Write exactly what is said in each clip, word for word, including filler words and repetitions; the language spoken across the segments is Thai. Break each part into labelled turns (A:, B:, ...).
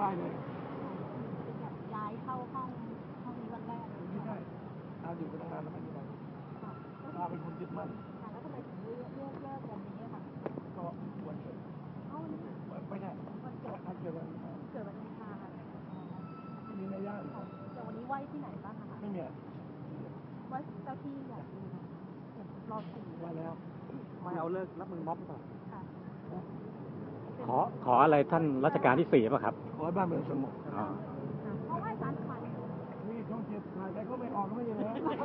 A: ได้เลย
B: ย้ายเข้าห้องห้องนี้วันแรก
A: ไม่ใช่อาอยู่กันตั้งนานแล้วไม่มีอะไรอาเป็นคนยึดมั่น
B: แล้วทำไมถึงเลือกเลือกเลิกวันนี้ค่ะ
A: ก็วันเกิด
B: เอ้านี่
A: ไม่ใช่
B: วันเกิด
A: วันเกิดวัน
B: เกิดวันอังคาร
A: มีในย่าน
B: แต่วันนี้ไหว้ที่ไหนบ้างคะ
A: ไม่มี
B: ไหว้เจ้าที่อยากดูรอสี่
A: ไหว้แล้ว
C: ไม่เอาเลิกรับมือม็อบก่อน
B: ค่ะ
C: ขอขออะไรท่านรัชกาลที่สี่ป่ะครับ
A: ขอให้บ้านเมืองสงบ
C: อ๋อ
B: เพราะไหว้สารขวัญ
A: นี่ช่องเจ็ดถ่ายไปก็ไม่ออกก็ไม่ยังไง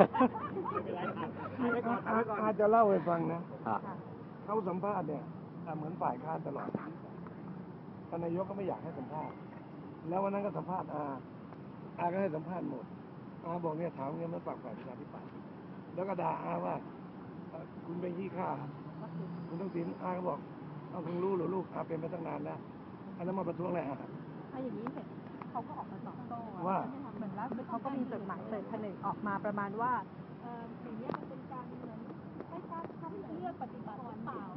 A: อาจจะเล่าให้ฟังนะเขาสัมภาษณ์เนี่ยเหมือนฝ่ายค้านตลอดท่านนายกก็ไม่อยากให้สัมภาษณ์แล้ววันนั้นก็สัมภาษณ์อาอาก็ให้สัมภาษณ์หมดอาบอกเนี่ยถามเงี้ยมันปากฝ่ายประชาธิปัตย์แล้วก็ด่าอาว่าคุณเป็นขี้ข้าคุณต้องสินอาก็บอกเอาคุณรู้หรือลูกอาเป็นมาตั้งนานแล้วอันนั้นมาประท้วงอะไรอา
B: ถ้าอย่างนี้เสร็จเขาก็ออกมาตอบโต้
A: ว่า
B: เหมือนล่าสุดเขาก็มีจดหมายเปิดผนึกออกมาประมาณว่าเออสิ่งนี้มันเป็นการเหมือนไม่ทราบเขาเลือกปฏิบัติหรือเปล่า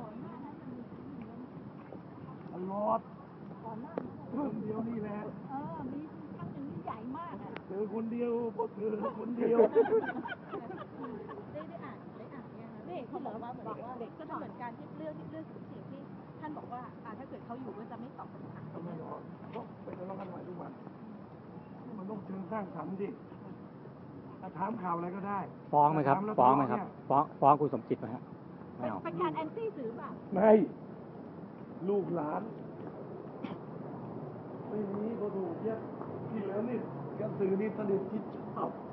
A: ตลอด
B: ก่อนหน้า
A: คนเดียวนี่แหละ
B: เออมีครั้งหนึ่งที่ใหญ่มากอ่ะ
A: เธอคนเดียวพวกเธอคนเดียว
B: ได้ได้อ่านได้อ่านเนี่ยนี่เขาบอกว่าเหมือนว่าเด็กก็เหมือนการที่เรื่องที่เรื่องสิ่งที่ท่านบอกว่าอ่าถ้าเกิดเขาอยู่ก็จะไม่ตอบคำถาม
A: ไม่ตอบเพราะไปทะเลาะกันใหม่ทุกวันมันต้องเชิงสร้างสรรค์ดิถามข่าวอะไรก็ได้
C: ฟ้องไหมครับฟ้องไหมครับฟ้องฟ้องคุณสมจิตไหมฮะไม่เอา
B: เป็นการแอนตี้สื่อเปล่า
A: ไม่ลูกหลานไม่มีก็ถูกเยอะที่เหลือนี่กระสือนี่สนิทที่ชอบ